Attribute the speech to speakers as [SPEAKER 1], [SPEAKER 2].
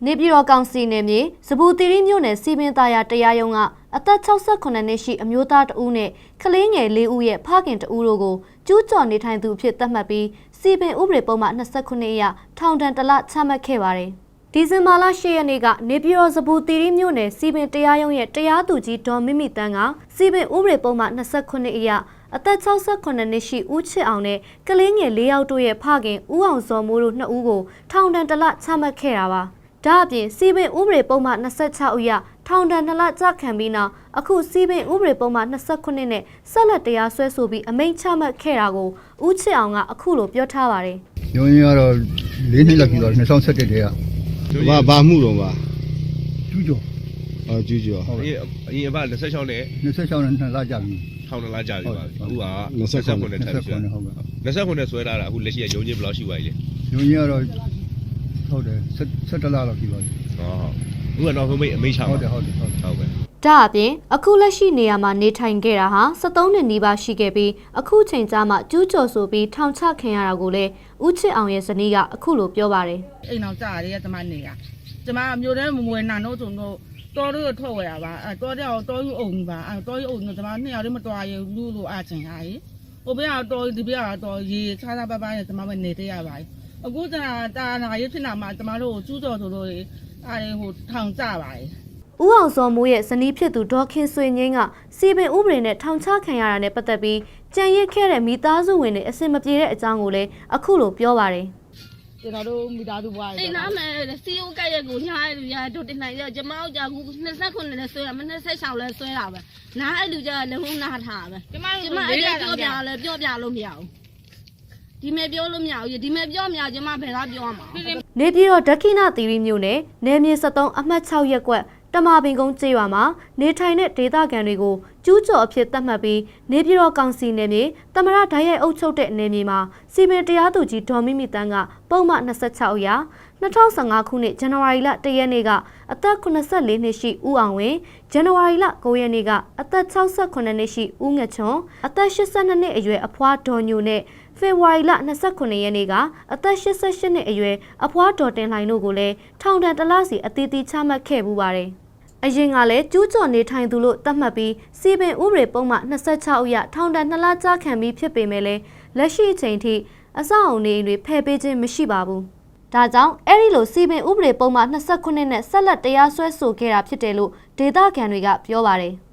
[SPEAKER 1] နေပြည်တော်ကောင်စီနယ်မြေစပူတီရီမြို့နယ်စီပင်သားရတရားရုံးကအသက်68နှစ်ရှိအမျိုးသားတဦးနဲ့ကလေးငယ်4ဦးရဲ့ဖခင်တဦးတို့ကိုကျူးကျော်နေထိုင်သူအဖြစ်သတ်မှတ်ပြီးစီပင်ဥပဒေပုံမှန်29အရထောင်ဒဏ်1လချမှတ်ခဲ့ပါတယ်။ဒီဇင်ဘာလ10ရက်နေ့ကနေပြည်တော်စပူတီရီမြို့နယ်စီပင်တရားရုံးရဲ့တရားသူကြီးဒေါ်မိမိတန်းကစီပင်ဥပဒေပုံမှန်29အရအသက်68နှစ်ရှိဦးချစ်အောင်နဲ့ကလေးငယ်4ယောက်တို့ရဲ့ဖခင်ဦးအောင်စောမိုးတို့2ဦးကိုထောင်ဒဏ်1လချမှတ်ခဲ့တာပါ။ဒါအပြင်စီပင်ဥပဒေပုံမှန်26အရထောင်ဒဏ်2လကြခံပြီးနောက်အခုစီပင်ဥပဒေပုံမှန်29နဲ့ဆက်လက်တရားစွဲဆိုပြီးအမိန့်ချမှတ်ခဲ့တာကိုဦးချစ်အောင်ကအခုလိုပြောထားပါတယ်
[SPEAKER 2] ။ရုံးရတော့4နှစ်လောက်ပြီတော့2017တည်းက
[SPEAKER 3] ဘာမှုတော့ပါ
[SPEAKER 2] ကျူးကျော်
[SPEAKER 3] ကျူးကျော်
[SPEAKER 4] အရင်အဘ26နဲ့
[SPEAKER 2] 26နဲ့2လကြာပြီ
[SPEAKER 4] ထောင်2လကြာပြီပါအခုက29နဲ့ထပ်ပြီး
[SPEAKER 2] 29ဟုတ်ကဲ့
[SPEAKER 4] 29နဲ့ဆွဲလာတာအခုလက်ရှိကရုံးချင်းဘယ်လောက်ရှိပါလဲ
[SPEAKER 2] ရုံးရတော့ဟုတ်တယ်17လလောက်ပြီပါ
[SPEAKER 4] အခုကတော့အမိန့်ချပါ
[SPEAKER 2] ဟုတ်ပဲ
[SPEAKER 1] ဒါအပြင်အခုလက်ရှိနေရာမှာနေထိုင်ခဲ့တာဟာ73နှစ်နီးပါးရှိခဲ့ပြီးအခုချိန်ကြာမှကျူးကျော်ဆိုပြီးထောင်ချခံရတာကိုလည်းဦးချစ်အောင်ရဲ့ဇနီးကအခုလိုပြောပါတယ်
[SPEAKER 5] အိမ်အောင်ကြာရတဲ့ကျမနေရကျမမျိုးတဲ့မမွေနာတို့ဆိုတော့တော်တို့ထွက်ဝယ်ရပါတော်တော်ယူအောင်ပါတော်ယူအောင်ကျမ2ယောက်တည်းမတော်ရလူလိုအချင်းဟာကြီးဟိုဘက်ကတော့ဒီဘက်ကတော့ရေခြားခြားပပနဲ့ကျမပဲနေတဲ့ရပါအခုတာနာရေးဖြစ်လာမှကျမတို့ကျူးကျော်ဆိုလို့ဟိုထောင်ကြပါတယ်
[SPEAKER 1] ဦးအောင်စောမိုးရဲ့ဇနီးဖြစ်သူဒေါ်ခင်ဆွေငင်းကစီပင်ဥပဒေနဲ့ထောင်ချခံရတာနဲ့ပတ်သက်ပြီးကြံရစ်ခဲ့တဲ့မိသားစုဝင်တွေအဆင်မပြေတဲ့အကြောင်းကိုလည်းအခုလိုပြောပါတယ်
[SPEAKER 5] ကျွန်တော်တို့မိသားစုဘွား
[SPEAKER 6] အိမ်နာမယ်စီအိုကက်ရက်ကိုညားရရတို့တင်နိုင်ရကျမတို့ကြာခု29နဲ့ဆွဲရမ26လဲဆွဲတာပဲနားအဲ့လူကြလည်းဟုံးနာထားပဲကျမအဲ့ဒါပြောပြလဲပြောပြလို့မရဘူးဒီမဲ့ပြောလို့မရဘူးဒီမဲ့ပြောမရကျမဘယ်လားပြောရမှာ
[SPEAKER 1] နေပြည်တော်ဒက္ခိဏသီရိမြို့နယ်နယ်မြေ73အမှတ်6ရပ်ကွက်တမာပင်ကုန်းကျေးရွာမှာနေထိုင်တဲ့ဒေသခံတွေကိုကျူးကျော်အဖြစ်သတ်မှတ်ပြီးနေပြည်တော်ကောင်စီနယ်မြေတမရဓာတ်ရိုက်အုပ်ချုပ်တဲ့နယ်မြေမှာစီပင်တရားသူကြီးဒေါ်မိမိတန်းကပုံမှန်26အရာ2015ခုနှစ်ဇန်နဝါရီလ1ရက်နေ့ကအသက်84နှစ်ရှိဦးအောင်ဝင်းဇန်နဝါရီလ9ရက်နေ့ကအသက်68နှစ်ရှိဦးငချွန်အသက်82နှစ်အရွယ်အဖွားဒေါ်ညိုနဲ့ဖေဖော်ဝါရီလ29ရက်နေ့ကအသက်88နှစ်အရွယ်အဖွားဒေါ်တင်လှိုင်တို့ကိုလည်းထောင်ဒဏ်1လစီအသီးသီးချမှတ်ခဲ့ပူပါတယ်။အရင်ကလည်းကျူးကျော်နေထိုင်သူလို့သတ်မှတ်ပြီးစီပင်ဥပဒေပုံမှန်26အရထောင်ဒဏ်2လကြာခံပြီးဖြစ်ပေမဲ့လည်းလက်ရှိအချိန်ထိအဆောက်အအုံတွေဖယ်ပေးခြင်းမရှိပါဘူး။ဒါကြောင့်အဲ့ဒီလိုစီပင်ဥပဒေပုံမှန်29နဲ့ဆက်လက်တရားစွဲဆိုခဲ့တာဖြစ်တယ်လို့ဒေသခံတွေကပြောပါတယ်။